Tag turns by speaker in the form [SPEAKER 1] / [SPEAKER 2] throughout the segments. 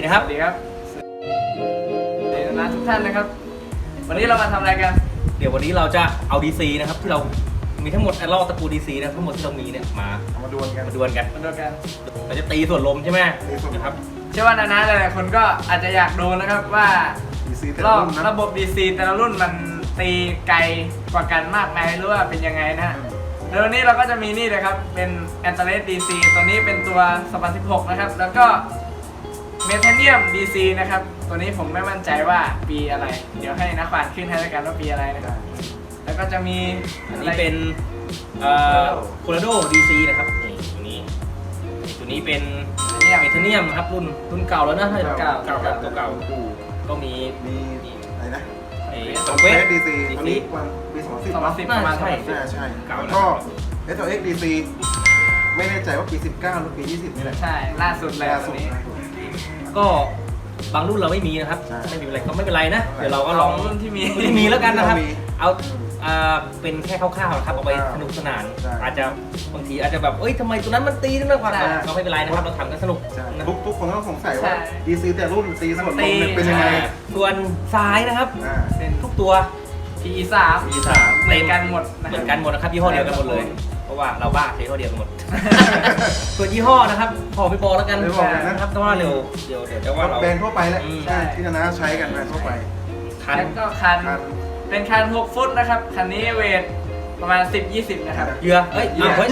[SPEAKER 1] ครับ
[SPEAKER 2] สวัสดีครับสวัสดีนะทุกท่านนะครับวันนี้เรามาทำอะไรกัน
[SPEAKER 1] เดี๋ยววันนี้เราจะเอา DC นะครับที่เรามีทั้งหมดลอกตระกูล DC นะทั้งหมดที่เรามีเนี่ยมาดวลกันเราจะตีส่วนลมใช่ไหมนะครับ
[SPEAKER 2] เชื่อว่านาหลายๆคนก็อาจจะอยากดูนะครับว่าลอกระบบ DC แต่ละรุ่นมันตีไกลกว่ากันมากไหมหรือว่าเป็นยังไงนะฮะแล้ววันนี้เราก็จะมีนี่เลยครับเป็นแอนเตอร์เลส DC ตัวนี้เป็นตัว2016นะครับแล้วก็เมทาเนียม DC นะครับตัวนี้ผมไม่มั่นใจว่าปีอะไรเดี๋ยวให้นักขวานขึ้นให้แล้วกันว่าปีอะไรนะครับแล้วก็จะมี
[SPEAKER 1] อันนี้เป็นโคโลราโด DC นะครับนี่ตัวนี้เป็นเมทาเนียมครับรุ่นเก่าแล้วนะตัวเก่าก็มี
[SPEAKER 3] อะไรนะ
[SPEAKER 1] สเวท
[SPEAKER 3] DC ตัวนี้ปี2010
[SPEAKER 2] ประมาณ
[SPEAKER 3] ใช่แล้วก็ SLX DC ไม่แน่ใจว่าปี19หรือปี20นี่แหละ
[SPEAKER 2] ใช่ล่าสุดเลยตัวนี้
[SPEAKER 1] ก็บางรุ่นเราไม่มีนะครับไม่มีอะไรก็ไม่เป็นไรนะเดี๋ยวเราก็ลอง
[SPEAKER 2] รุ่นที่มี
[SPEAKER 1] แล้วกันนะครับเอาเป็นแค่คร่าวๆนะครับเอาไปสนุกสนานอาจจะบางทีอาจจะแบบเอ้ยทำไมตัวนั้นมันตีได้มากกว่าเราไม่เป็นไรนะครับเราทำกันสนุก
[SPEAKER 3] ทุกคนต้องสงสัยว่า DC แต่รุ่นตีส่วนลมเป็นยังไง
[SPEAKER 1] ส่วนซ้ายนะครับเป็นทุกตัว
[SPEAKER 2] PE3 เหมือนกันหมด
[SPEAKER 1] นะครับยี่ห้อเดียวกันหมดเลยเพราะว่าเราบ้าใช้ยี่ห้อเดียวกันหมดส่วนยี่ห้อนะครับขอไปบอกแล้วกันนะครับเพราะว่าเดี๋ยวจะว่าเรา
[SPEAKER 3] แบรนด์ทั่วไปแหละที่นาใช้กันแบรนด์ทั่วไป
[SPEAKER 2] แล้วก็คันเป็นคัน6 ฟุตนะครับคันนี้เวทประมาณ10-20นะครับ
[SPEAKER 1] เยอะเฮ้ยเยอะ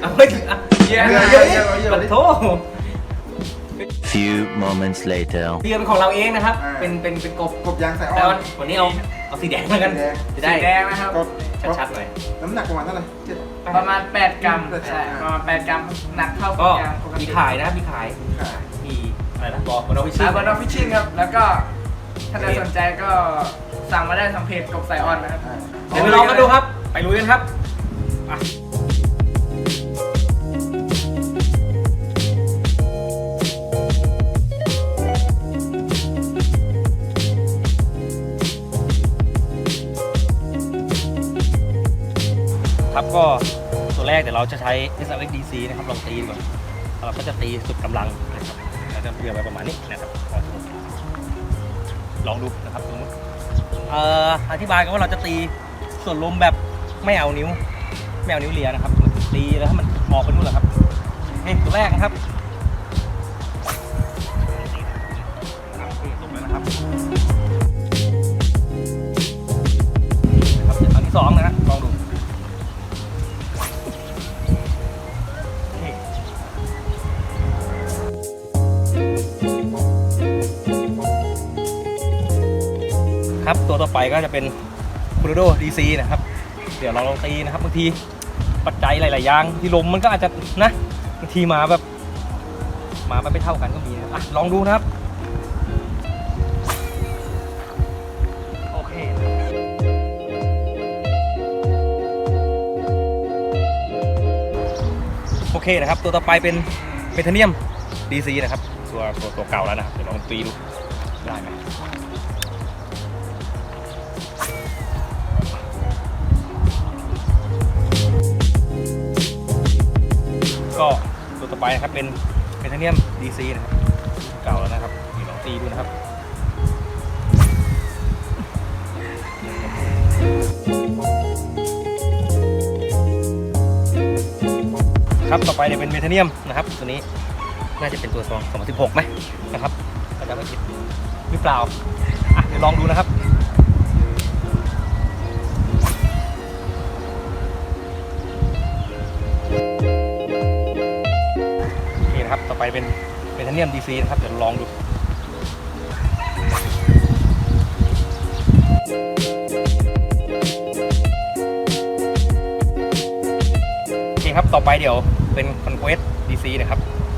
[SPEAKER 1] โถ
[SPEAKER 4] Few moments later
[SPEAKER 1] เรือเป็นของเราเองนะครับเป็น
[SPEAKER 3] กบยางใส่อ้อน
[SPEAKER 1] วันนี้เอาสีแดงแล้วกัน
[SPEAKER 2] จะได้แดงนะครับ
[SPEAKER 1] ชัดๆหน่อย
[SPEAKER 3] น้ำหนักประมาณเท่าไหร่
[SPEAKER 2] ประมาณ8 กรัมใช่ประมาณ8 กรัมหนักเท่ากับยางปกติ
[SPEAKER 1] มีขายนะครับมีขายมีอะไรนะบอกบนออฟฟิ
[SPEAKER 2] เชียลครับแล้วก็ถ้าใครสนใจก็สั่งมาได้ทางเพจกบสายออนนะครับ
[SPEAKER 1] เดี๋ยวไปลองกันดูครับไปลุยกันครับครับก็ตัวแรกเดี๋ยวเราจะใช้ SLX DC นะครับลองตีก่อนเราก็จะตีสุดกำลังนะครับเราจะเบี่ยงไปประมาณนี้นะครับลองดูนะครับสมมติอธิบายกันว่าเราจะตีส่วนลมแบบไม่เอานิ้วเลียนะครับตีแล้วให้มันออกไปนู่นแหละครับตัวแรกนะครับตรงแล้วนะครับอันที่2นะลองดูครับตัวต่อไปก็จะเป็นโคโลราโด DC นะครับเดี๋ยวเราลองตีนะครับบางทีปัจจัยหลายๆอย่างที่ลมมันก็อาจจะนะบางทีมาไม่เท่ากันก็มีนะลองดูนะครับโอเคนะครับตัวต่อไปเป็นเมทาเนียม DC นะครับตัวเก่าแล้วนะครับเดี๋ยวลองตีดูได้ไหมก็ตัวต่อไปนะครับเป็นเมทาเนียม DC นะครับเก่าแล้วนะครับเดี๋ยวลองตีดูนะครับครับต่อไปเนี่ยเป็นเมทาเนียมนะครับตัวนี้น่าจะเป็นตัว2016ไหมนะครับก็จะไม่ผิดหรือเปล่าเดี๋ยวลองดูนะครับต่อไปเป็นเมทาเนียม DC นะครับเดี๋ยวลองดูโอเคครับต่อไปเดี๋ยวเป็น Conquest DC นะครับ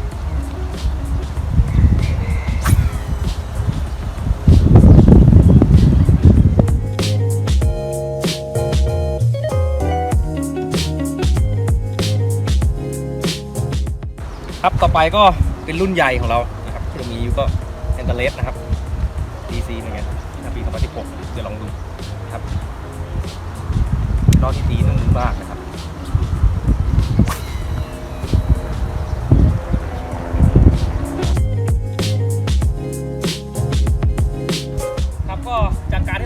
[SPEAKER 1] ครับต่อไปก็เป็นรุ่นใหญ่ของเรานะครับที่เรามีอยู่ก็แอนเตอร์เลสนะครับ DC เหมือนกันปี2016เดี๋ยวลองดูครับล้อที่ตีนุ่มมากนะครับ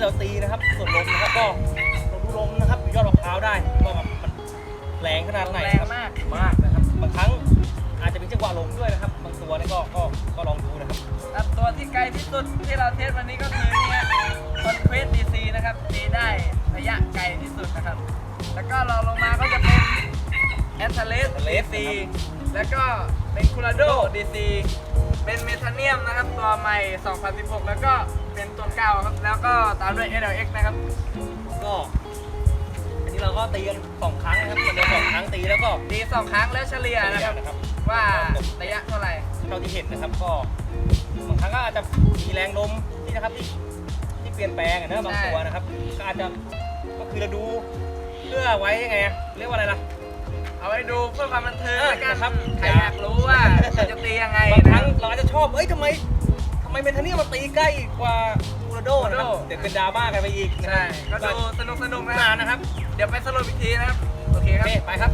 [SPEAKER 1] เราตีนะครับส่วนลมนะครับก็เราดูลมนะครับยอดมะพร้าวได้ว่าแบบมันแรงขนาดไหน
[SPEAKER 2] แรง
[SPEAKER 1] ครับ
[SPEAKER 2] มาก
[SPEAKER 1] มากนะครับบางครั้งอาจจะเป็นจังหวะลมด้วยนะครับบางตัวนี่ก็ลองดูนะครับ
[SPEAKER 2] ครับตัวที่ไกลที่สุดที่เราเทสวันนี้ก็คือเนี่ยคอนเควสดีซีนะครับตีได้ระยะไกลที่สุดนะครับแล้วก็เราลงมาก็จะเป็นแอนเทเลสดีซีแล้วก็เป็นคูราโดดีซีเป็นเมทาเนียมนะครับตัวใหม่ 2016 แล้วก็เป็นตัวเก่าครับแล้วก็ตามด้วย SLX นะครับ
[SPEAKER 1] ก็อันนี้เราก็ตีกัน2 ครั้งนะครับวันเดียว2 ครั้งตีแล้วก็
[SPEAKER 2] ตี2 ครั้งแล้วเฉลี่ยนะครับ
[SPEAKER 1] นะครับ
[SPEAKER 2] ว่าระยะเท่าไหร่
[SPEAKER 1] เท่าที่เห็นนะครับก็บางครั้งก็อาจจะมีแรงลมที่นะครับที่เปลี่ยนแปลงอะนะบางตัวนะครับก็อาจจะก็คือเราดูเพื่อไว้ยังไงอะเรียกว่าอะไรล่ะ
[SPEAKER 2] เอาไว้ดูเพื่อความบันเทิงแล้วกัน
[SPEAKER 1] ครับ
[SPEAKER 2] ใครอยากรู้ว่ามันจะตียังไง
[SPEAKER 1] บางค
[SPEAKER 2] นะ
[SPEAKER 1] รั้งเราอาจจะชอบทำไมเมทาเนียมมาตีใกล้กว่าคูราโดนะครับ
[SPEAKER 2] คูราโด
[SPEAKER 1] เดี๋ยวเป็นดราม่ากันไปอีกนะ
[SPEAKER 2] ใช่ ก็ดูสนุกๆนะ
[SPEAKER 1] นานนะครับ
[SPEAKER 2] เดี๋ยวไปสรุปอีกทีนะครับ โอเค
[SPEAKER 1] โอ
[SPEAKER 2] ครับ
[SPEAKER 1] เคไปครับ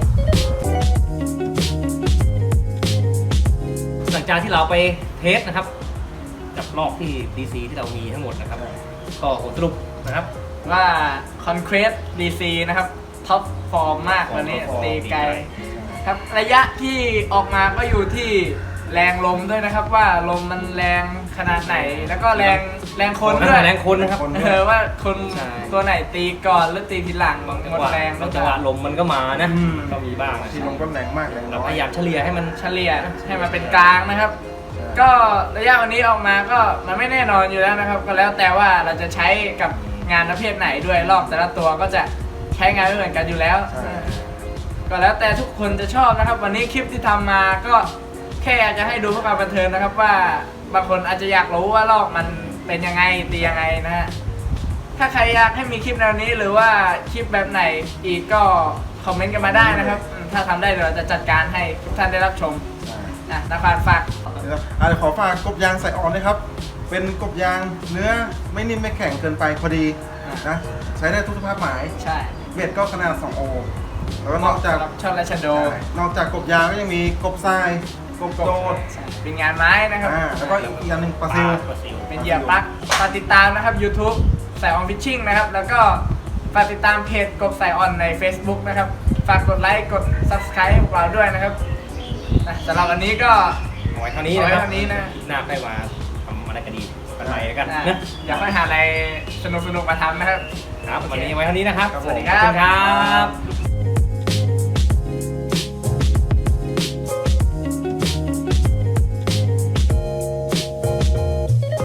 [SPEAKER 1] หลังจากที่เราไปเทสนะครับกับรอบที่ DC ที่เรามีทั้งหมดนะครับก็ผลสรุปนะครับ
[SPEAKER 2] ว่า Concrete DC นะครับ ท็อปฟอร์มมากวันนี้
[SPEAKER 1] ท็อปฟอร์ม
[SPEAKER 2] ตีไกลครับ ระยะที่ออกมาก็อยู่ที่แรงลมด้วยนะครับ ว่าลมมันแรงขนาดไหน แล้วก็แรงคนด้วย
[SPEAKER 1] แรงคนนะครับ
[SPEAKER 2] ว่าคน
[SPEAKER 1] ใช่
[SPEAKER 2] ตัวไหนตีก่อนหรือตีทีหลัง
[SPEAKER 1] บางจัง
[SPEAKER 2] หมด
[SPEAKER 1] หวะ
[SPEAKER 2] แรง
[SPEAKER 1] บางจังหวะลมมันก็มานะ
[SPEAKER 2] อืม
[SPEAKER 1] ก็มีบ้างนะ
[SPEAKER 3] ที่ลงก็แรงมากแรง
[SPEAKER 1] เรา
[SPEAKER 3] น้อ
[SPEAKER 1] พ
[SPEAKER 3] ย
[SPEAKER 1] ยายามเฉลี่ยให้มัน
[SPEAKER 2] เฉลี่ยให้มันเป็นกลางนะครับ ก็ระยะวันนี้ออกมาก็มันไม่แน่นอนอยู่แล้วนะครับ ก็แล้วแต่ว่าเราจะใช้กับงานประเภทไหนด้วยรอบแต่ละตัวก็จะใช้งานไม่เหมือนกันอยู่แล้ว ก็แล้วแต่ทุกคนจะชอบนะครับ วันนี้คลิปที่ทำมาก็แค่อยากจะให้ดูเพื่อความบันเทิงนะครับว่าบางคนอาจจะอยากรู้ว่าลอกมันเป็นยังไงตียังไงนะฮะถ้าใครอยากให้มีคลิปแนวนี้หรือว่าคลิปแบบไหนอีกก็คอมเมนต์กันมาได้นะครับถ้าทำได้เดี๋ยวเราจะจัดการให้ทุกท่านได้รับชมนะครับฝาก
[SPEAKER 3] นะครับเดี๋ยวขอฝากกบยางใส่ออนนะครับ เป็นกบยางเนื้อไม่นิ่มไม่แข็งเกินไปพอดีนะใช้ได้ทุกสภาพหมาย
[SPEAKER 2] ใช่
[SPEAKER 3] เบ็ดก็ขนาด 2 โอ แล้วก็นอกจาก
[SPEAKER 2] ชอบราชโด
[SPEAKER 3] ใช่นอกจากกบยางก็ยังมีกบทรายกบโดด
[SPEAKER 2] เป็นงานไม้นะครับ
[SPEAKER 3] แล้วก็อีกอย่างหนึ่งปลาซิล
[SPEAKER 2] เป็นเหยื่อปลั๊กฝากติดตามนะครับ YouTube สายออนฟิชชิ่งนะครับ แล้วก็ฝากติดตามเพจกบสายออนใน Facebook นะครับ ฝากกดไลค์กด Subscribe ให้พวกเราด้วยนะครับสำหรับวันนี้ก็
[SPEAKER 1] เอาไว้เท่านี้นะครับ
[SPEAKER 2] เอาไว้เท่านี้นะ
[SPEAKER 1] หน้าใครมาทำอะไรกันดีกันใหม่แล้วกันนะ
[SPEAKER 2] อยากให้หาอะไรสนุกๆมาทำนะครับ
[SPEAKER 1] ครับวันนี้ไว้เท่านี้นะครับ
[SPEAKER 2] สวัสดีค
[SPEAKER 1] ขอบ
[SPEAKER 2] รั
[SPEAKER 1] คุณครับ บ